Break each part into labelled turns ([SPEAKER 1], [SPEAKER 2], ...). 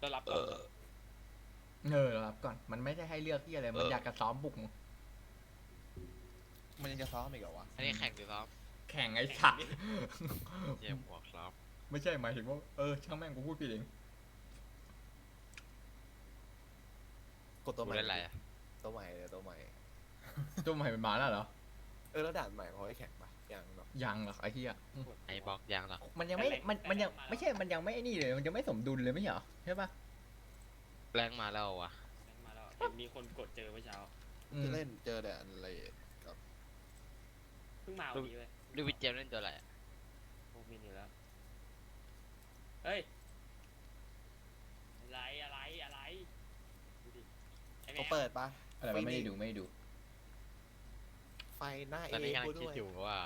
[SPEAKER 1] จะรับก่อน
[SPEAKER 2] รับก่อนมันไม่ได้ให้เลือกที่อะไรมันอยากจะซ้อมบุกมึง
[SPEAKER 3] มันยังจะซ้อมอีกเหรอวะ
[SPEAKER 4] อันนี้แข่งหรือซ้อม
[SPEAKER 2] แข่งไอ้สัตว์
[SPEAKER 4] เยี่ยมหัวครับ
[SPEAKER 2] ไม่ใช่หมายถึงว่าช่างแม่งกูพูดผิดเอง
[SPEAKER 3] กดตัวใหม่
[SPEAKER 4] เล่นอะไรอ่ะ
[SPEAKER 3] ตัวใหม่เลยตัวใหม่
[SPEAKER 2] ตัวใหม่เป็นหมาแล้วเหรอ
[SPEAKER 3] แล้วด่านใหม่เขาให้แข่งปะยังเนาะ
[SPEAKER 2] ยังหรอกไอ้เหี้ย
[SPEAKER 4] ไอ้บอกยังเหรอ
[SPEAKER 2] มันยังไม่มันยังไม่ใช่มันยังไม่นี่เลยมันยังไม่สมดุลเลยไม่ใช่เหรอใช่ปะ
[SPEAKER 4] แรงมาแล้ววะ
[SPEAKER 1] มาแล้วเห็นมีคนกดเจอเมื่อเช้า
[SPEAKER 3] จะเล่นเจอแต่อะไรกับ
[SPEAKER 1] เพิ่งมาวันนี้เลย
[SPEAKER 4] ลูกวิทเจมเล่นตัวอะไรอะ
[SPEAKER 1] โอ้มินอยู่แล้วเฮ้ยอะไรดูดิไอ้แม
[SPEAKER 3] เขา
[SPEAKER 1] ว
[SPEAKER 3] เปิดปะ
[SPEAKER 2] อะไรวะไม่ได้ดู
[SPEAKER 3] ไฟหน้า
[SPEAKER 4] ตอนนี้กำลั
[SPEAKER 3] กู
[SPEAKER 4] ง
[SPEAKER 3] ด้
[SPEAKER 4] คิด
[SPEAKER 3] วย
[SPEAKER 4] อยู่ว่า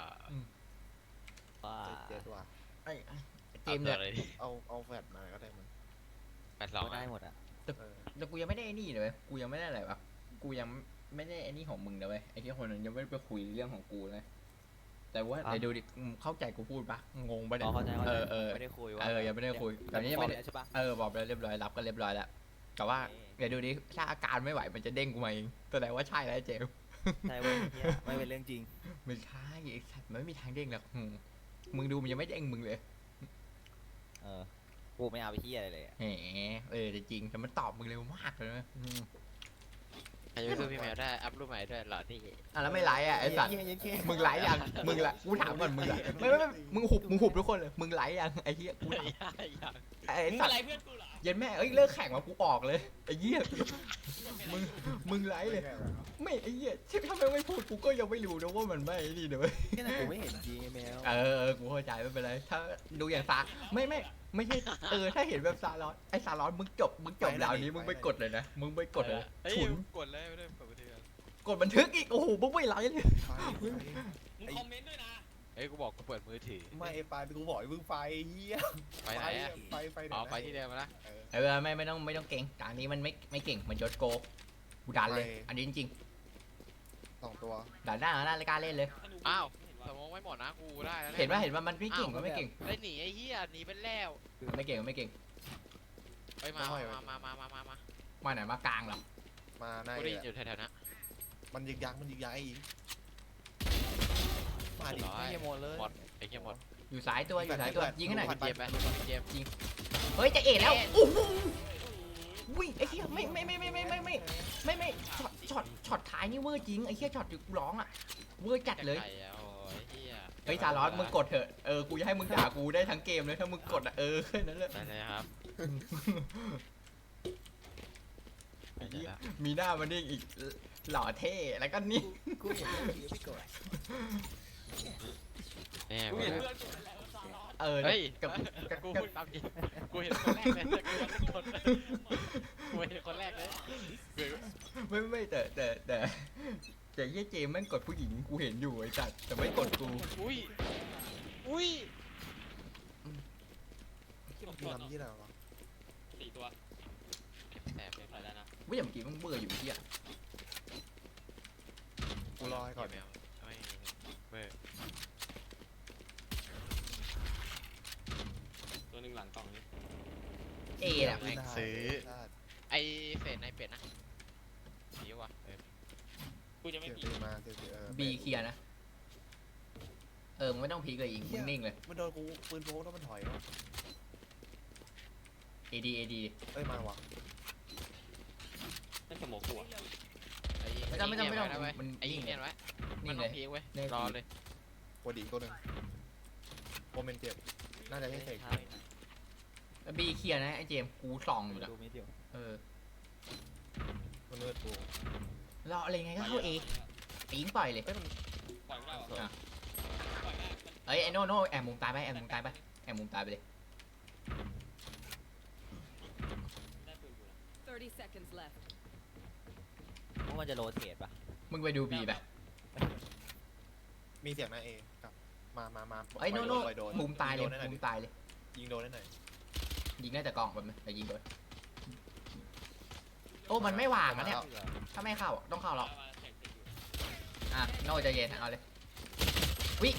[SPEAKER 3] เจ็ดว่ะ
[SPEAKER 2] ไอ้เจ
[SPEAKER 4] เอา
[SPEAKER 2] มส์
[SPEAKER 4] ตัว
[SPEAKER 2] เนี่ย
[SPEAKER 4] อะไรดิ
[SPEAKER 3] เอาแฟลชมาก็ได้มัน
[SPEAKER 4] 82
[SPEAKER 5] ได้หมดอ่ะ
[SPEAKER 3] เออ
[SPEAKER 2] แต่กูยังไม่ได้ไอ้นี่เลยเว้ยกูยังไม่ได้อะไรวะกูยังไม่ได้ไอ้นี่ของมึงนะเว้ยไอ้ที่คนนั้นยังไม่ได้ไปคุยเรื่องของกูเลยแต่ว่าไหนดูดิเข้าใจกูพูดปะงงปะเนี่ย
[SPEAKER 5] เข้าใจ
[SPEAKER 2] ไม่
[SPEAKER 5] ไม่ได้คุยว่า
[SPEAKER 2] ยังไม่ได้คุยตอนนี้ยังไม่ได้
[SPEAKER 5] ใช่ปะ
[SPEAKER 2] บอกไปแล้วเรียบร้อยรับก็เรียบร้อยแล้วแต่ว่า
[SPEAKER 5] โอเค
[SPEAKER 2] เดี๋ยวดูดิถ้าอาการไม่ไหวมันจะเด้งกูมาเองแสดงว่าใช่แล้วไอ้เจมส์
[SPEAKER 5] ใช่เว้ยเหี้ยไม่เป็นเรื่องจริง
[SPEAKER 2] ไม่ใช่ไอ้สัตว์มันไม่มีทางเด้งหรอกมึงดูมันยังไม่เด้งมึงเลย
[SPEAKER 5] กูไม่เอาไปที่อะไรเลยอะ
[SPEAKER 2] แหมแต่จริงแต่มันตอบมึงเร็วมากเลยนะ
[SPEAKER 4] ใครจะไปสู้พี่แมวได้ อัพรูปใหม่ด้วยเหรอที่
[SPEAKER 2] แล้วไม่ไลฟ์ไอ้สัตว์ มึงไลฟ์ยังมึงละกูถามก่อนมึงละไม่มึงหุบทุกคนเลยมึงไลฟ์ยังไอ้เหี้ยกูถาม
[SPEAKER 4] ยัง
[SPEAKER 2] ไอ้
[SPEAKER 1] มึง
[SPEAKER 2] สัต
[SPEAKER 1] อะไร
[SPEAKER 2] ว์
[SPEAKER 1] เพื่อนกูเหรอ
[SPEAKER 2] เย็นแม่เลิกแข่งมากูออกเลยไอ้เหี้ยมึงไลฟ์เลยไม่ไอ้เหี้ยถ้าไม่พูดกูก็ยังไม่รู้นะว่ามันไม่นี่เดี๋ยว
[SPEAKER 5] แค่นั้นกูไม่เห็นจริงไอ้แมว
[SPEAKER 2] กูเข้าใจไม่เป็นไรถ้าดูอย่างซาไม่ใช่ถ้าเห็นแบบซาลอนไอ้ซาลอนมึงจบดาวนี้มึงไปกดเลยนะมึงไปกดเลย
[SPEAKER 4] เฮ้ย
[SPEAKER 2] ฉุน
[SPEAKER 4] กดเลยไม่ได้เปิดบันทึก
[SPEAKER 2] กดบันทึกอีกโอ้โหมึงไม่ไลฟ์เลย
[SPEAKER 3] ไฟ
[SPEAKER 1] มึงคอมเมนต์ด้วยนะ
[SPEAKER 4] เฮ้ยกูบอกกูเปิดมือถือ
[SPEAKER 3] ไม่ไฟกูบอกให้มึงไฟเฮีย
[SPEAKER 4] ไปไหนอะ
[SPEAKER 3] ไฟ
[SPEAKER 4] อ๋อไปที่เดิมนะ
[SPEAKER 2] ไม่ต้องเก่งการนี้มันไม่เก่งมันยศโกกูดันเลยอันนี้จริง
[SPEAKER 3] 2 ตัว
[SPEAKER 2] ๆดันได้รายการเล่นเลย
[SPEAKER 4] อ้าวสมองไม่หมดนะกูได้แล้ว
[SPEAKER 2] เห็นว่ามันไม่เก่งมันไม่เก่ง
[SPEAKER 4] ได้หนีไอ้เหี้ยหนีไปแล้ว
[SPEAKER 2] ไม่เก่ง
[SPEAKER 4] ไปมา
[SPEAKER 2] มาไหนมากลางเหรอ
[SPEAKER 3] มาใน
[SPEAKER 4] กูได้ยินอยู่แถวๆนะ
[SPEAKER 3] มันยึกยักอีกมาดิ
[SPEAKER 5] ไม่หมดเลย
[SPEAKER 4] หมดไอ้เหี้ยหมด
[SPEAKER 2] อยู่สายตัวยิงให้หน่อย
[SPEAKER 4] เกมไปเกม
[SPEAKER 2] เฮ้ยจะเอ๋แล้วโอ้โหวิ่งไอ้เหี้ยไม่ช็อตท้ายนี่เวอร์จริงไอ้เหี้ยช็อตอยู่ร้องอ่ะเวอร์จัดเลย
[SPEAKER 4] โอ้ยเหี้ย
[SPEAKER 2] เฮ้ยซาลอสมึงกดเถอะกูจะให้มึงด่ากูได้ทั้งเกมเลยถ้ามึงกดอ่ะแค่นั้นแหละ
[SPEAKER 4] ได้เลยครับ
[SPEAKER 2] มีหน้ามันนี่อีกหล่อเท่แล้วก็นี่
[SPEAKER 5] กูเห็นเรื่องจริงพี่กด
[SPEAKER 4] แน่
[SPEAKER 1] กูเห็นเพื่อนกูแล้วซาลอน
[SPEAKER 4] เฮ้ย
[SPEAKER 2] กับ
[SPEAKER 4] กูพูดตามจริงกูเห็นคนแรกเลยกูเห็นคนแรกเลย
[SPEAKER 2] ไม่แต่เหี้ยเจมแม่งกดผู้หญิงกูเห็นอยู่ไอ้จัดแต่ไม่กดกู
[SPEAKER 4] อุ้ย
[SPEAKER 3] มึงทำที่ไหนวะ
[SPEAKER 1] 4 ตัว
[SPEAKER 4] แสบ
[SPEAKER 1] ใส่แล้วนะ
[SPEAKER 2] ว่าอย่างเมื่อกี้มึงเบื่ออยู่ที่อ่ะ
[SPEAKER 3] กูรอให้ก่อน
[SPEAKER 4] แมวไม่เว้ย
[SPEAKER 1] ตัวหนึ่งหลังกล่องนี้
[SPEAKER 2] น่ะ
[SPEAKER 4] แม่งซื้อไอเฟสในเป็ดนะสีวะ
[SPEAKER 1] กูจะไม่
[SPEAKER 3] เสีย
[SPEAKER 1] ผี
[SPEAKER 3] ตีมาเสีย
[SPEAKER 2] บีเคลียร์นะมึงไม่ต้องพีกเลยอีกมึงนิ่งเลย
[SPEAKER 3] มันโดนกูปืนโพกแล้วมันถอยวะ
[SPEAKER 2] AD
[SPEAKER 3] เอ้ยมาวะ
[SPEAKER 1] นั่นสมองกูอะ
[SPEAKER 2] ไม่ต้องมัน
[SPEAKER 4] ไอ้ยิงเนี่ยไว้มั
[SPEAKER 2] นิ่
[SPEAKER 4] น
[SPEAKER 2] ง
[SPEAKER 4] ต้
[SPEAKER 2] เล
[SPEAKER 4] อง
[SPEAKER 2] ย
[SPEAKER 4] พีกเว้ยรอเลย
[SPEAKER 3] โคดีตัวหนึ่งโมเมนต์เจ็บน่าจะให้เสก
[SPEAKER 2] บีเคลียร์นะไอ้เจมกูส่องอยู่แล้ว
[SPEAKER 5] ดูไม่เดียว
[SPEAKER 3] มันเลือดกู
[SPEAKER 2] รออะไรไงก็เข้าเอยิงปล่อยเลย
[SPEAKER 3] เอ้ยมัน
[SPEAKER 1] ปล่อยไม่ได้หรอปล่อยได้
[SPEAKER 2] เอ้ยไอ้โน่แอบมุมตายไปแอบมุมตายไปเลย
[SPEAKER 1] ได้ปืนกูแล้ว
[SPEAKER 6] 30 seconds left.
[SPEAKER 5] ว่ามันจะโรเทตปะ
[SPEAKER 2] มึงไปดูบีไป
[SPEAKER 3] มีเสียงนะเอกับมา
[SPEAKER 2] ไอ้โน่
[SPEAKER 3] ปล่อยโดน
[SPEAKER 2] มุมตายเลย
[SPEAKER 3] งโดนได้หน่อ
[SPEAKER 2] มุมตายเลย
[SPEAKER 3] ยิงโดนได้หน่อย
[SPEAKER 2] ยิงได้แต่กล่องแบบแต่ยิงโดนโอ้มันไม่หว่างนะเนี่ยถ้าไม่เข้าต้องเข้าหรอก
[SPEAKER 1] มาแข่งอยู่
[SPEAKER 2] โน่ใจเย็นเอาเลยวิ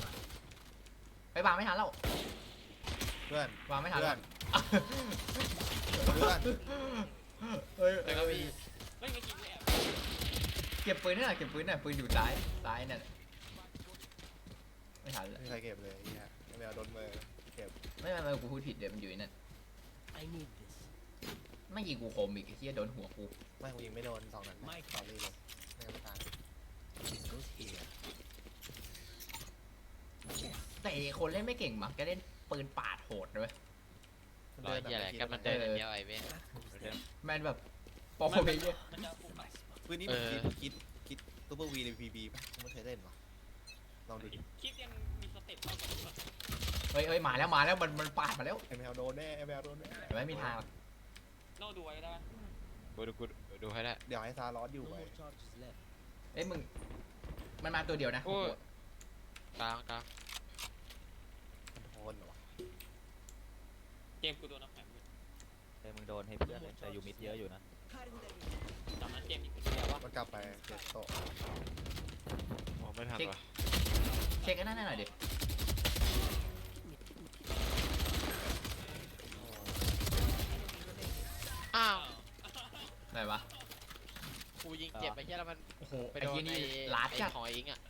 [SPEAKER 2] ไปวางไม่ทันแล้ว
[SPEAKER 3] เพื่อน
[SPEAKER 2] วางไม่ทัน
[SPEAKER 3] เพื่
[SPEAKER 2] แล้
[SPEAKER 3] อ
[SPEAKER 2] วน
[SPEAKER 3] เพื่อน
[SPEAKER 2] เฮ้ย
[SPEAKER 4] แต่ก็มี
[SPEAKER 1] ไม่ไม่กินแอบ
[SPEAKER 2] เก็บปืนนี่หน่อยเก็บปืนหน่อยปืนอยู่ซ้ายนั่นไม่ทัน
[SPEAKER 3] ไม่
[SPEAKER 2] แล้ว
[SPEAKER 3] มีใครเก็บเลยไอ้เหี้ยไม่เอาโดนมือเก็บ
[SPEAKER 2] ไม่กูพูดผิดเดี๋ยวมันอยู่ในนั่นไม่ยิงกูคมอีกไอ้เหี้ยโดนหัวกู
[SPEAKER 3] ไม่กูยิงไม่โดน2 นัดนะสอรี่เลยไม่งั้นไม่ตาย
[SPEAKER 2] แต่คนเล่นไม่เก่งมั้งก็เล่นปืนปาดโหดเลย
[SPEAKER 4] รอยเหี้ยอะไรกันมันเดินอย่างเดียวไอ้เว้ย
[SPEAKER 2] แมนแบบโปรเพลเยอร์
[SPEAKER 1] มันจะปุ่มไป
[SPEAKER 3] ปืนนี้มันคิดซูเปอร์วีในพีบีป่ะกูไม่เคยเล่นหรอลองดูดิ
[SPEAKER 1] คลิปยังมีสเต็ปเท่ากัน
[SPEAKER 2] เฮ้ยมาแล้วมันปาดมาแล้ว
[SPEAKER 3] ไอแมวโดนแน่ไอแมวโดนแน่
[SPEAKER 2] ไม่มีทางหรอก
[SPEAKER 1] โน่ดูไว้ได้ไหม
[SPEAKER 4] กูดูให้ได้
[SPEAKER 3] เดี๋ยวให้ซาร้อนอยู่ไป
[SPEAKER 2] เอ้ยมึงมันมาตัวเดียวนะ
[SPEAKER 4] โอ้ยกลาง
[SPEAKER 3] โทนเหรอวะ
[SPEAKER 1] เกมกูโดนน้ำแข็ง
[SPEAKER 5] มึงโดนให้เพื่อนเลยแต่อยู่มิดเยอะอยู่นะ
[SPEAKER 1] จำนั้นเกมอีกคนเดียวว่า
[SPEAKER 3] มันกลับไปเจ็ดโต๊ะ
[SPEAKER 4] มองไม่ทันวะ
[SPEAKER 2] เช็คกันนั่นหน่อยดิ
[SPEAKER 4] อ้าว
[SPEAKER 2] ไหนวะ
[SPEAKER 4] กูยิงเจ็บไปแค่แล้วมัน
[SPEAKER 2] โอ้โห
[SPEAKER 4] ไป
[SPEAKER 2] ไอ้
[SPEAKER 4] โดน
[SPEAKER 2] เหี้ย
[SPEAKER 4] ไอ้
[SPEAKER 2] นี่ลาด
[SPEAKER 4] ไอ้
[SPEAKER 2] จัด
[SPEAKER 4] ของไอ้อิงอ่ะ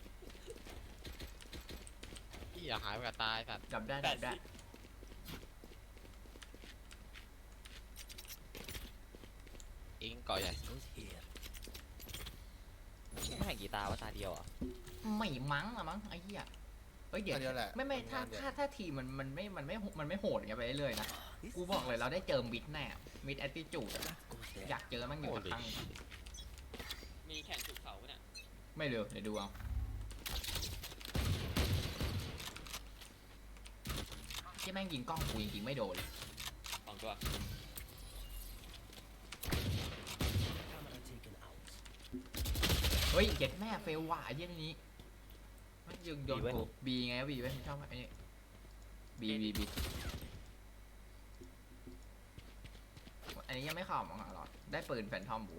[SPEAKER 4] พี่อยากหายไปกับตายสัตว์
[SPEAKER 2] จับได้
[SPEAKER 4] อิงเกาะใหญ่
[SPEAKER 5] ไม่แข่งกีตาร์ว่าตาเดียวอ่ะ
[SPEAKER 2] ไม่มั้งอะมั้งไอ้เหี้ยเฮ้ยเดี๋ยว
[SPEAKER 3] อันเดียวแหละ
[SPEAKER 2] ไม่ถ้าทีมันไม่โหดอย่างเงี้ยไปเรื่อยๆนะกูบอกเลยเราได้เจอมิดแน่มิดแอตติจูดอยากเจอมันอยู่สักครั้ง
[SPEAKER 1] มีแข่งถูกเขาเนี่ย
[SPEAKER 2] ไม่เร็วเดี๋ยวดูเอาที่แม่งยิงกล้องกูยิงไม่โดนเลย
[SPEAKER 1] 2 ตัว
[SPEAKER 2] เฮ้ยเจ็ดแม่เฟลว่ะไอ้เหี้ยนี้ไม่ยิงโดนกูบีไงบีไม่ชอบไอ้นี่บีอันนี้ยังไม่เข้ามั้งหรอได้ปืนแฟนทอมบู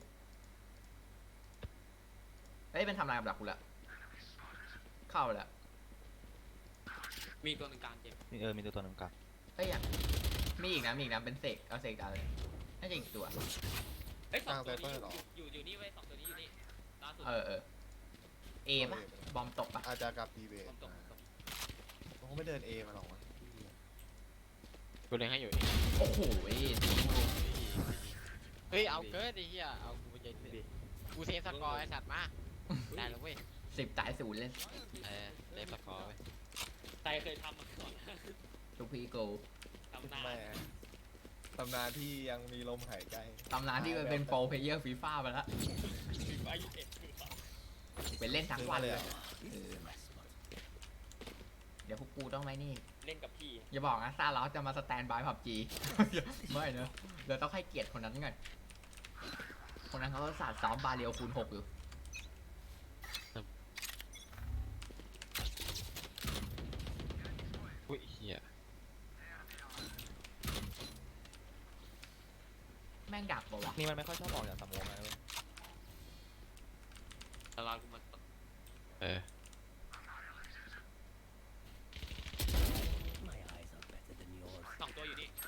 [SPEAKER 2] เฮ้ยเป็นทำลายกับดักกูละเข้าแล้ว
[SPEAKER 1] มีตัวหนึ่งกลางเกม
[SPEAKER 5] มีตัวหนึ่งกับ
[SPEAKER 2] เฮ้ยมีอีกนะเป็นเสกเอาเสกอะไรน่าจะอีกตัว
[SPEAKER 1] เฮ้ย2 ตัวนี้อยู่นี่เว้ย2 ตัวนี้อยู่นี่ล่าสุด
[SPEAKER 2] เอปะบอมตกปะ
[SPEAKER 3] อาจจะกับพีเบ
[SPEAKER 1] ผมตก
[SPEAKER 3] ผมไม่เดินเอมาหรอกวะ
[SPEAKER 4] กูเล็งให้อยู่อิง
[SPEAKER 2] โอ้โห
[SPEAKER 4] เฮ้ยเอาเกินไอ้เหี้ยเอากูไปใจดิกูเซฟสกอร์ไอ้สัตว์มาได้แล้วเว้ย
[SPEAKER 2] 10 ตาย 0 เล่น
[SPEAKER 4] เซฟสกอร์เว้ย
[SPEAKER 1] ใจเคยทำมาก่อน
[SPEAKER 2] ทุกพีโก
[SPEAKER 1] ทำนาน
[SPEAKER 3] ไม่ตำนานที่ยังมีลมหายใจ
[SPEAKER 2] ตำนานที่มันเป็นโปรเพลเยอร์ฟีฟ่าไปแล้ว
[SPEAKER 1] ถึงอายุเอ็ด
[SPEAKER 2] ไปเล่นทั้งวันเลย
[SPEAKER 3] เหรอ
[SPEAKER 2] เดี๋ยวพวกกูต้องไหมนี่
[SPEAKER 1] เล่นกับพี่
[SPEAKER 2] อย่าบอกนะซาเราจะมาสแตนบายผับจี ไม่เนอะเดี๋ยวต้องให้เกียรติคนนั้นก่อนคนนั้นเขาศาสตร์ซ้อมบาเรียวคูณ 6 อยู่
[SPEAKER 4] อุ้ยเหี้ย
[SPEAKER 2] แม่งดักปะวะ
[SPEAKER 5] นี่มันไม่ค่อยชอบออกจากสมองนะเว้ย
[SPEAKER 1] ตลาดกูมัน 2 ตัวอยู่นี่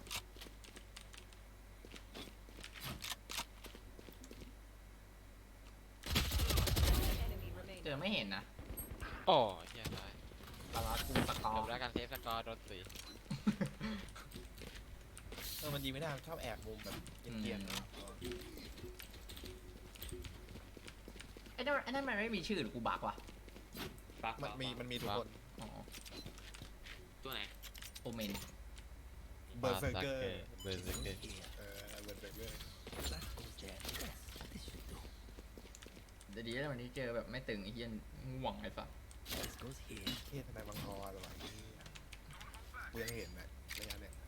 [SPEAKER 2] เจอไม่เห็นนะ
[SPEAKER 4] โอ้เหี้ยตาย
[SPEAKER 2] ตลาดกูตะกอ
[SPEAKER 4] จบแล้วการเซฟสกอร์โดนสี
[SPEAKER 3] มันยิงไม่ได้ชอบแอบมุมแบบเกียน
[SPEAKER 2] ไอ้นั่นมันไม่มีชื่อหรือกูบักวะ
[SPEAKER 1] ปาก
[SPEAKER 3] มันมีทุกคน
[SPEAKER 2] อ๋อ
[SPEAKER 1] ตัวไหน
[SPEAKER 2] โอเมน
[SPEAKER 3] เบอร์เซอร์เกอร์
[SPEAKER 4] เบอร์เซอร์เกอร์
[SPEAKER 3] เบอร์เซอร์เกอร์
[SPEAKER 2] เดี๋ยวดีแล้ววันนี้เจอแบบไม่ตึงไอ้เหี้ยง่วงไอ้สัส
[SPEAKER 3] เทศนายบังกรหรอวะกูยังเห็นนะระยะเนี่ย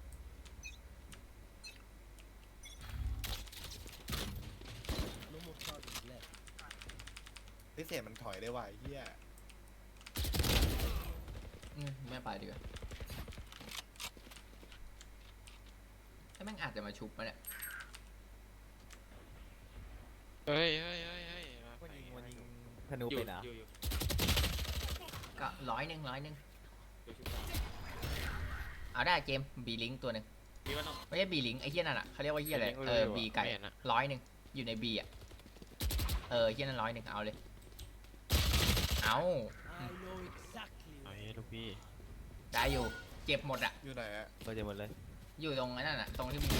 [SPEAKER 3] พิเศษมันถอยได้ว่ะเฮีย
[SPEAKER 2] ไม่ไปดีกว่าถ้าแม่งอาจจะมาชุบมาเนี่ย
[SPEAKER 4] เฮ้ย
[SPEAKER 5] มันยิงธนูเป็นอ่ะ
[SPEAKER 1] อยู่
[SPEAKER 2] ก็100
[SPEAKER 1] อยู่ชุบ
[SPEAKER 2] เอาได้เกมบีลิงตัวหนึ่ง
[SPEAKER 1] มีวันนอก
[SPEAKER 2] ไม่ใช่บีลิงไอ้เหี้ยนั่นอ่ะเขาเรียกว่าเหี้ยอะไรบีไก่
[SPEAKER 4] ม่เห็นอะ
[SPEAKER 2] 100อยู่ในบีอ่ะเหี้ยนั่น100เอาเลยเอา
[SPEAKER 4] เอาเฮ้ยลูกพี่
[SPEAKER 2] ได้อยู่เจ็บหมดอ่ะ
[SPEAKER 3] อยู่ไหนอะ
[SPEAKER 5] เปิดเจอหมดเลย
[SPEAKER 2] อยู่ตรงนั้นน่ะตรงที่มึง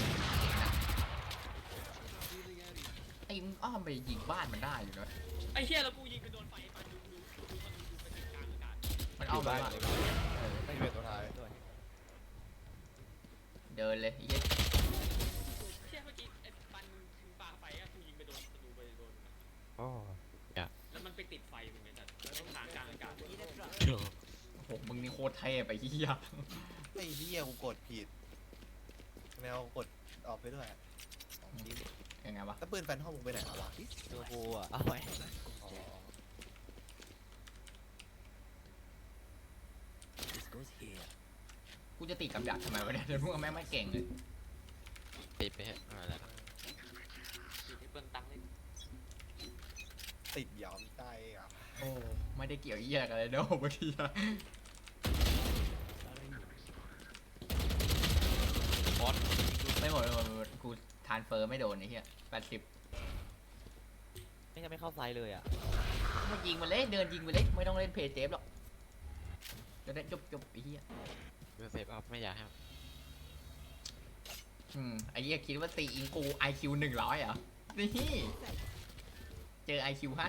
[SPEAKER 2] ไอ้มึงอ้อมไปยิงบ้านมันได้อยู่นะ
[SPEAKER 1] ไอ้เหี้ยแล้วกูยิงไปโดนไฟมันดูไปติดกลางอากาศ
[SPEAKER 2] มันอ้อมไปบ้าน
[SPEAKER 3] ไม่เป็นตัวท้าย
[SPEAKER 2] เดินเลยไอ้เหี้ย
[SPEAKER 1] เชี่ยเมื่อกี้ไอ้ปันมึงปาไฟอะกูยิงไปโดนประตูไปโดน
[SPEAKER 4] โอ้
[SPEAKER 1] แล้วมันไปติดไฟมึงไงจัดแล้วต้องทางกลางอากาศ
[SPEAKER 2] โอ้โหมึงนี่โคตรเท่ไปเหี้ย
[SPEAKER 3] ไอ้เหี้ยกูกดผิดแนวกดออกไปด้วยของจริง
[SPEAKER 2] ยังไงวะ
[SPEAKER 3] แล้วปืนแฟนห้องมึงไปไหนวะ
[SPEAKER 5] ตัวกูอ่ะเอาไว้
[SPEAKER 3] อ๋อ
[SPEAKER 2] กูจะติดกับดักทำไมวะเนี่ยเดี๋ยวพวกแม่งไม่เก่งเลย
[SPEAKER 4] ติดไปเหอะอะไรแล้ว
[SPEAKER 1] ติดให้เปิ้ลตังค์เลย
[SPEAKER 3] ติดหยอมใจอ่ะ
[SPEAKER 2] โอ้ไม่ได้เกี่ยวเหี้ยกันเลยเด้อบางทีอะ
[SPEAKER 4] บอส
[SPEAKER 2] ไม่หมดกูทานเฟอร์ไม่โดนไอ้เหี้ย80
[SPEAKER 5] ไม่จะไม่เข้าไซส์เลยอ่ะ
[SPEAKER 2] มายิงมันเลยเดินยิงมันเลยไม่ต้องเล่นเพย์เซฟหรอกจะได้จบไอ้เหี้ย
[SPEAKER 4] เซฟอัพไม่อยากให้
[SPEAKER 2] ไอ้เหี้ยคิดว่าตีอิงกู IQ 100เหรอนี่เจอ IQ 50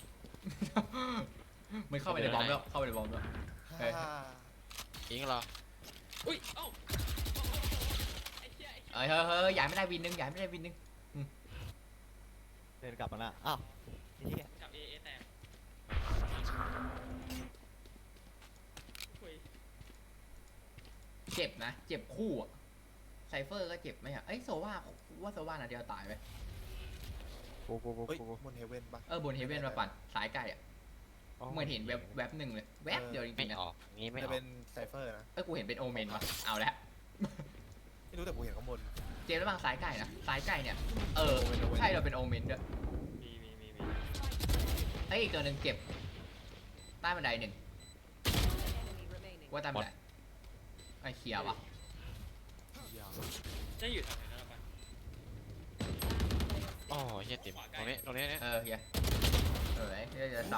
[SPEAKER 2] มึงเข้าไปในบอมแล้วเข้าไปในบอมแล้ว เฮ้ย
[SPEAKER 3] ฮ่า
[SPEAKER 4] อิงเหรอ
[SPEAKER 1] อุ้ยเอ้าไอ้เหี้ยไอ้
[SPEAKER 2] เฮ้ยย้ายไม่ได้วินนึงย้ายไม่ได้วินนึง
[SPEAKER 5] เดินกลับมาละอ้าวไอ้เหี้ย
[SPEAKER 1] กับเอแตกคุย
[SPEAKER 2] เจ็บนะเจ็บคู่อะไซเฟอร์ก็เจ็บไหมอะเอ้ยโซว่าว่าโซว่าน่ะเดียวตายไป
[SPEAKER 4] โอ้โห
[SPEAKER 3] เฮ้ยบนเฮเว่นปะ
[SPEAKER 2] บนเฮเว่นมาปั่นสายไก่อะเหมือนเห็นแวบหนึ่งเลยแวบเดียวจ
[SPEAKER 4] ไม่
[SPEAKER 2] ริงๆนะ
[SPEAKER 4] ออกงี้ไม่อ
[SPEAKER 3] จะ
[SPEAKER 4] อก
[SPEAKER 3] เป็นไซเฟอร์นะ
[SPEAKER 2] กูเห็นเป็นโอเมนว่ะเอาละ
[SPEAKER 3] ไม่รู้แต่กูเห็นข้างบน
[SPEAKER 2] เจมส์ระหว่างสายไก่นะสายไก่เนี่ยใช่เราเป็นโอเมนด้วย
[SPEAKER 1] มี
[SPEAKER 2] เอ้ยอีกตัวหนึ่งเจ็บใต้บันไดหนึ่งว่าใต้บันไดไอ้เขียวอ่ะ
[SPEAKER 1] จะอยู่แถวไหนนะปัน
[SPEAKER 4] อ๋อเฮียติ๋มตรงนี้เนี่ย
[SPEAKER 2] เฮียไอ้เฮียจะ2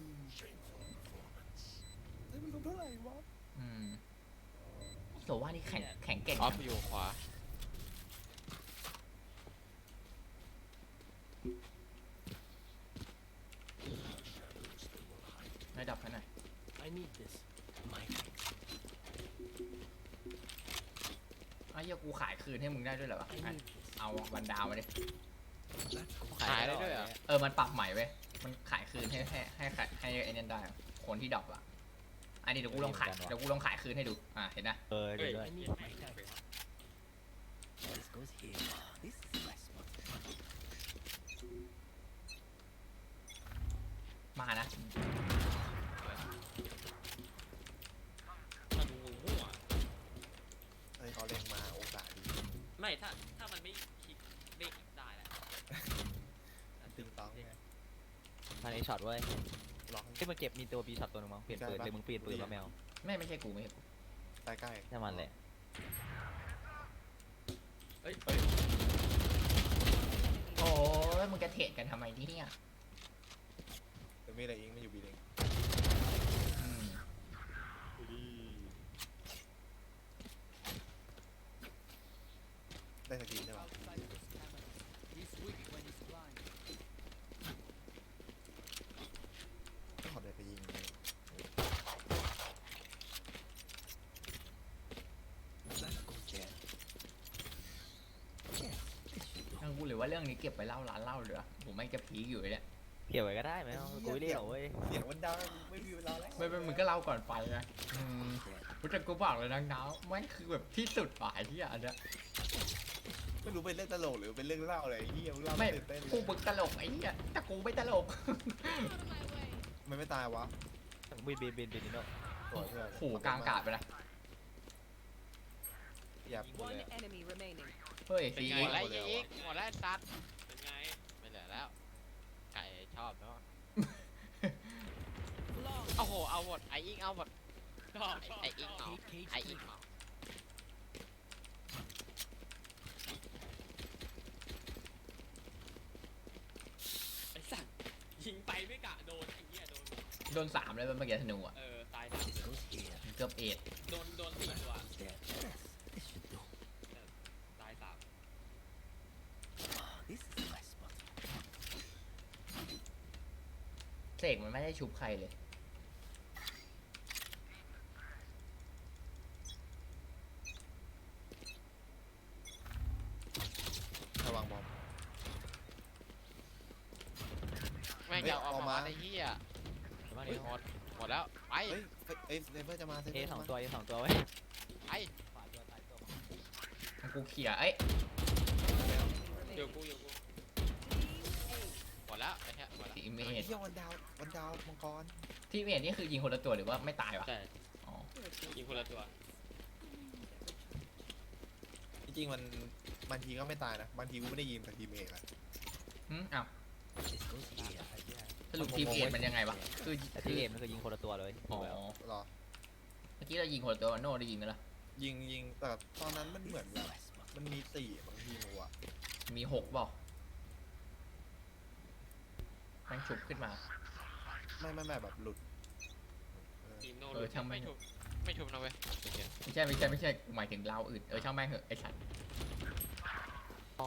[SPEAKER 3] เฮ้ยมันลงเท่าไหร่วะ
[SPEAKER 2] โซว่านี่แข็งเก่ง
[SPEAKER 4] ออฟอยู่ขวา
[SPEAKER 2] ไม่ดับให้หน่อยไอ้เหี้ยกูขายคืนให้มึงได้ด้วยเหรอวะเอาวันดาวมาดิ
[SPEAKER 4] ขายได้ด้วยเหรอ
[SPEAKER 2] มันปรับใหม่เว้ยมันขายคืนให้ไอ้นั่นได้อะคนที่ดรอปอ่ะอันนี้เดี๋ยวกูลองขายคืนให้ดูเห็นนะ
[SPEAKER 5] เดี๋ยวด้วย
[SPEAKER 2] มานะ
[SPEAKER 1] มันงูมั่ว
[SPEAKER 3] เฮ้ยเขาเล็งมาโอกาสดี
[SPEAKER 1] ไม่ถ้ามันไม่คลิกไม่ได้แหละ
[SPEAKER 3] ตึงต้องไง
[SPEAKER 5] พันเอช็อตเว้ย
[SPEAKER 3] ล็อก
[SPEAKER 5] ที่มันเก็บมีตัวบีช็อตตัวนึงมั้งเปลี่ยนปืนเลยมึงเปลี่ยนปืนแล้วแมว
[SPEAKER 2] ไม่ใช่กูไม่ใช่กู
[SPEAKER 3] ใกล้ใกล้
[SPEAKER 5] ใช่มันแหละ
[SPEAKER 1] เฮ้ย
[SPEAKER 2] โอ้ยมึงจะเทรดกันทำไมเนี่ย
[SPEAKER 3] เดี๋ยวมีอะไรอิงไม่อยู่บีเอง
[SPEAKER 2] อืม
[SPEAKER 3] ได้สกินใช่ปะต้องขอเดินไปยิงเลย
[SPEAKER 2] ทั้งกูหรือว่าเรื่องนี้เก็บไปเล่าร้านเล่าเหลือผมไม่งจะพีคอยู่เลยเนี่ย
[SPEAKER 5] เกี่ยวไว้ก็ได้ไหมเอากูไม่เรียกหรอกเว้ย
[SPEAKER 3] เสียงมันดังไม่มีเวลาแล้ว
[SPEAKER 2] ไม่มึงก็เล่าก่อนไปไงกูจะกูบอกเลยนะน้าวมันคือแบบที่สุดฝ่ายที่อันเนี้ย
[SPEAKER 3] ไม่รู้เป็นเรื่องตลกหรือเป็นเรื่องเล่าอะไรเฮียมึงเล่า
[SPEAKER 2] ไม่
[SPEAKER 3] ตื่นเต้นเล
[SPEAKER 2] กู
[SPEAKER 3] ย
[SPEAKER 2] มึงตลกไอ้เหี้ยแต่กูไม่ตลก
[SPEAKER 3] มันไม่ตายวะ
[SPEAKER 5] บินนิดเดียว
[SPEAKER 3] ตัวเพื่อน
[SPEAKER 2] โหกลางอากาศไปละ
[SPEAKER 3] อย่าพูด
[SPEAKER 6] One
[SPEAKER 3] เลย
[SPEAKER 6] enemy remaining.
[SPEAKER 2] เฮ้ย
[SPEAKER 4] เป็น
[SPEAKER 2] สี
[SPEAKER 4] ไงไรอีกหมดแล้วตัด
[SPEAKER 1] เป็นไง
[SPEAKER 4] ไม่เหลือแล้วไก่ชอบเนาะ
[SPEAKER 6] Long.
[SPEAKER 4] โอ้โหเอาหมดไออิงเอาหมด
[SPEAKER 1] ชอบ
[SPEAKER 4] ไออิงเอาไออิงเอา
[SPEAKER 1] ไม่กะโดนไอ้เหี้ยโดน
[SPEAKER 2] โดน3เลยเมื่อกี้ธนูอ่ะ
[SPEAKER 1] ตาย3
[SPEAKER 2] เกือบเอ็ด
[SPEAKER 1] โดน4 ตัวตาย3
[SPEAKER 2] เสกมันไม่ได้ชุบใครเลย
[SPEAKER 3] ระวังบอม
[SPEAKER 4] แม่งจะเอาออกมาไอ้เหี้ย
[SPEAKER 5] มาดิ
[SPEAKER 4] หมดแล้วไป
[SPEAKER 3] เฮ้ยเอ้ยเซเบอร์จะมาเซ
[SPEAKER 5] เอ
[SPEAKER 3] เบอร์
[SPEAKER 5] สอง
[SPEAKER 3] จะมา
[SPEAKER 5] ตัวเอสองตัวไว้
[SPEAKER 4] ไป
[SPEAKER 5] ขวาตัวซ้ายตัว
[SPEAKER 2] กูเขี่ยเอ้ย
[SPEAKER 1] อยู่กู
[SPEAKER 4] หมดแล้วไอ้เหี้ยหมดแล้ว
[SPEAKER 2] ทีเม
[SPEAKER 3] ไอ้
[SPEAKER 2] ท
[SPEAKER 3] เหี้ยวันดาวมังกร
[SPEAKER 2] ทีเมทนี่คือยิงคนละตัวหรือว่าไม่ตายวะ
[SPEAKER 1] ใช่
[SPEAKER 2] อ๋อ
[SPEAKER 1] ยิงคนละตัว
[SPEAKER 3] จริงๆมันบางทีก็ไม่ตายนะบางทีกูไม่ได้ยิงแต่ทีมเอกอะ
[SPEAKER 2] อ้าวสรุปทีมเอทมันยังไงวะคือ
[SPEAKER 5] แต่ที่เอมันคือยิงคนละตัวเลย
[SPEAKER 2] อ๋อ
[SPEAKER 3] หรอ
[SPEAKER 2] เมื่อกี้เรายิงคนละตัวโน่ได้ยิงไหมล่ะ
[SPEAKER 3] ยิงแต่ตอนนั้นมันเหมือนแบบมันมี4บางทีมัว
[SPEAKER 2] มี6บอกมันฉุบขึ้นมา
[SPEAKER 3] ไม่แบบหลุด
[SPEAKER 1] ทีมโน
[SPEAKER 2] ช่างแม่
[SPEAKER 4] ไม่
[SPEAKER 2] ง
[SPEAKER 4] ทุบนะเว้ย
[SPEAKER 2] ไม่ใช่หมายถึงเราอื่นช่างแม่งเหอะไอ้สัตว์
[SPEAKER 5] อ๋อ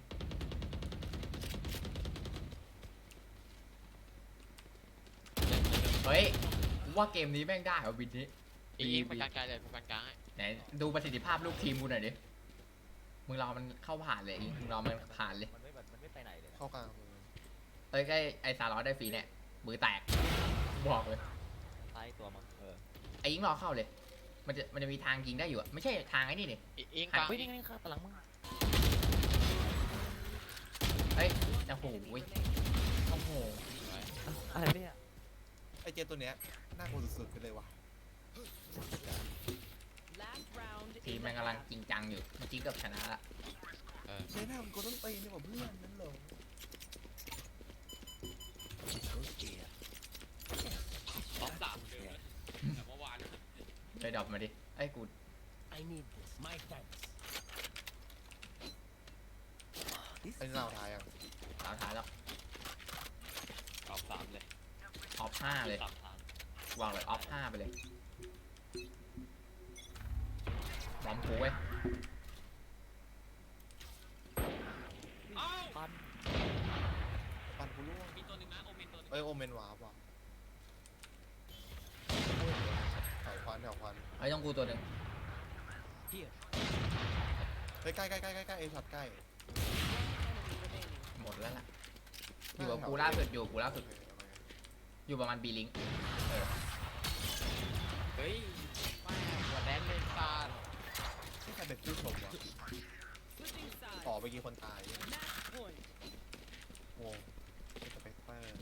[SPEAKER 2] เฮ้ยว่าเกมนี้แม่งได้เหรอวินนี้
[SPEAKER 4] อีกไปกลางๆเลยไปกลางๆให้
[SPEAKER 2] ไหนดูประสิทธิภาพลูกทีมกูหน่อยดิมึงรอมันเข้าผ่านเลยมึงรอมันผ่านเลย
[SPEAKER 5] มันไม่ไปไหนเลยนะ
[SPEAKER 3] เข้ากลาง
[SPEAKER 2] เอ้ยไอ้ซาร์ลอสได้ฟรีเนี่ยมือแตกบอกเลย
[SPEAKER 5] ซ้ายตัวมั้ง
[SPEAKER 2] ไอ้ยิงรอเข้าเลย มันจะมีทางยิงได้อยู่อะไม่ใช่ทางไอ้นี่นี่
[SPEAKER 4] อิงกลาง
[SPEAKER 5] เฮ้ยนี่ข้างหลังมึง
[SPEAKER 2] เฮ้ยโอ้โหโอ้โห
[SPEAKER 5] อะไรเนี่ย
[SPEAKER 3] ไอ้เจตัวเนี้ยน่ากลัวสุดๆไปเลยว่ะ
[SPEAKER 2] ทีมแม่งกำลังจริงจังอยู่เมื่อกี้เกือบชนะละ
[SPEAKER 3] เจ๊หน้ามันก็ต้องตีนี่หว่าเพื่อนนั่นเหรอ
[SPEAKER 1] ท็อป3เดิมเลยแต่เมื่อวาน
[SPEAKER 2] เลยดรอปมาดิไอ้กู
[SPEAKER 3] ไอ้นี่เราทายอ่ะ
[SPEAKER 2] สาวท้ายแล้ว
[SPEAKER 1] ท็อป3เลย
[SPEAKER 2] ออฟ5เลย
[SPEAKER 1] 3 ทาง
[SPEAKER 2] วางเลยออฟ5ไปเลยบอมกูเว้ย
[SPEAKER 1] อ้าว
[SPEAKER 5] ปัน
[SPEAKER 3] ปันกูร่วง
[SPEAKER 1] มีตัวหนึ่งนะโอเมนตัวหนึง
[SPEAKER 3] เอ้ยโอเมนวาร์ปว่ะแถวควัน
[SPEAKER 2] ไอ้ต้องกูตัวหนึ่ง
[SPEAKER 3] เฮ้ยใกล้เอช็อตใกล้
[SPEAKER 2] หมดแล้วล่ะอยู่กับกูล่าสุดอยู่ประมาณบีลิง
[SPEAKER 1] เฮ้ย
[SPEAKER 4] แม่หัวแดนเลยซาน
[SPEAKER 3] ที่ใครเป็นผู้ชมวะต่อไปกี่คนตายโอ้สเปกเตอร์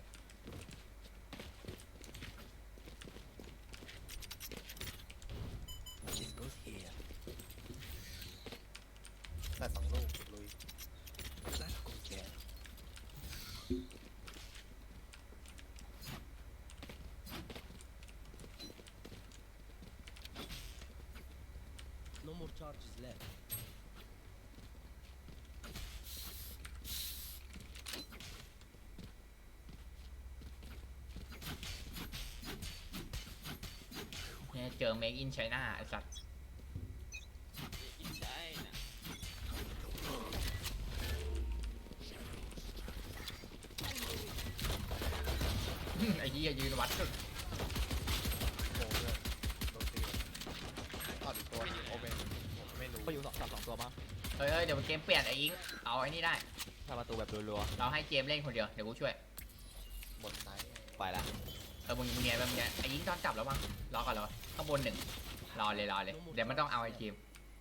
[SPEAKER 3] แต่2 ลูกลุย
[SPEAKER 6] No more charges left.
[SPEAKER 2] เนี่ยเจอเมคอินไชน่าไอ้สัตว์
[SPEAKER 1] อินใช่นะ
[SPEAKER 2] ไอ้ยี่ยืนวัดสุด
[SPEAKER 3] โอ้เพื่อนโดนตีต่ออีกตัวโอเมนไม่รู้
[SPEAKER 5] ก็อยู่สองตัวมั้ง
[SPEAKER 2] เฮ้ยเดี๋ยวเกมเปลี่ยนไอ้ยิงเอาไอ้นี่ได้
[SPEAKER 5] ทำประตูแบบรัว
[SPEAKER 2] เราให้เจมส์เล่นคนเดียวเดี๋ยวกูช่วย
[SPEAKER 3] บนไซด์
[SPEAKER 5] ๆไปละ
[SPEAKER 2] มึงเนียนไอ้ยิงตอนจับแล้วมั้งรอก่อนรอข้างบน1รอเลยเดี๋ยวมันต้องเอาไอ้ทีม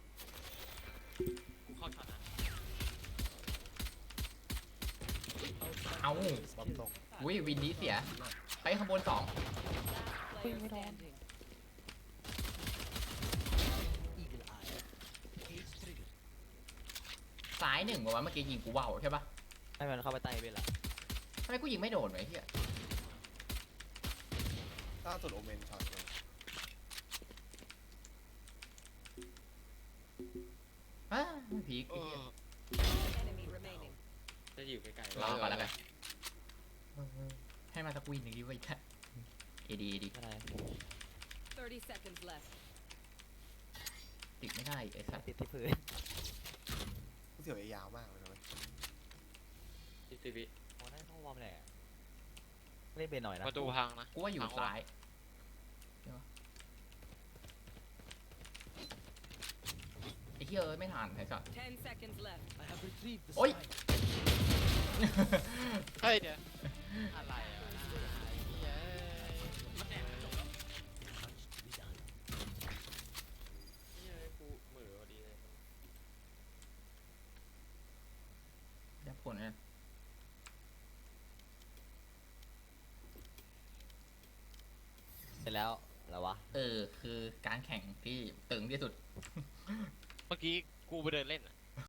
[SPEAKER 1] กูเข้าช็อตนะ
[SPEAKER 2] เอา
[SPEAKER 3] บอมตก
[SPEAKER 2] อุ้ยวินนี้เสียไปข้างบน2
[SPEAKER 6] Eagle eye. Cage trigger.
[SPEAKER 2] ซ้าย1บอกว่าเมื่อกี้ยิงกูว่าวใช่ปะ
[SPEAKER 5] ให้มันเข้าไปใต้เวลา
[SPEAKER 2] ทำไมกูยิงไม่โดนวะไอ้เหี้ย
[SPEAKER 3] ล่าสุดโอเมนช็อตเลย
[SPEAKER 2] ไม่พีคไอ้เหี้ย
[SPEAKER 1] จะอยู่ใกล้ๆ
[SPEAKER 2] รอก่อนแล้วกันให้มาสักวินหนึ่งดีไว้แค่เอดี
[SPEAKER 5] อะไร
[SPEAKER 7] 30 seconds left.
[SPEAKER 2] ติดไม่ได้ไอ้สัตว์
[SPEAKER 5] ติดที่พื้น
[SPEAKER 3] กูเสียวยาวมากเลยนะเว้ย
[SPEAKER 1] 20 วิ
[SPEAKER 5] โอ้นั่นห้องวอร์มแหละเล่นเบนหน่อยนะ
[SPEAKER 4] ประตูพังนะ
[SPEAKER 2] กูว่าอยู่ซ้ายใช่ปะไอ้เหี้ยเอ้ยไม่ทันไอ้สัตว์
[SPEAKER 7] 10 seconds left.
[SPEAKER 6] I have retrieved the
[SPEAKER 2] Oi.
[SPEAKER 6] spike.
[SPEAKER 4] เฮ้ยเดี๋ยวอะไรวะนะไอ้เหี้ย
[SPEAKER 1] มันแอบจบแล้ว
[SPEAKER 6] Much to be done.
[SPEAKER 1] เฮ้ยกูเหมือพอดีเลย
[SPEAKER 2] ยับผลเนี่ย
[SPEAKER 5] เสร็จแล้วแล้ววะ
[SPEAKER 2] คือการแข่งที่ตึงที่สุด
[SPEAKER 4] เมื่อกี้กูไปเดินเล่นอะ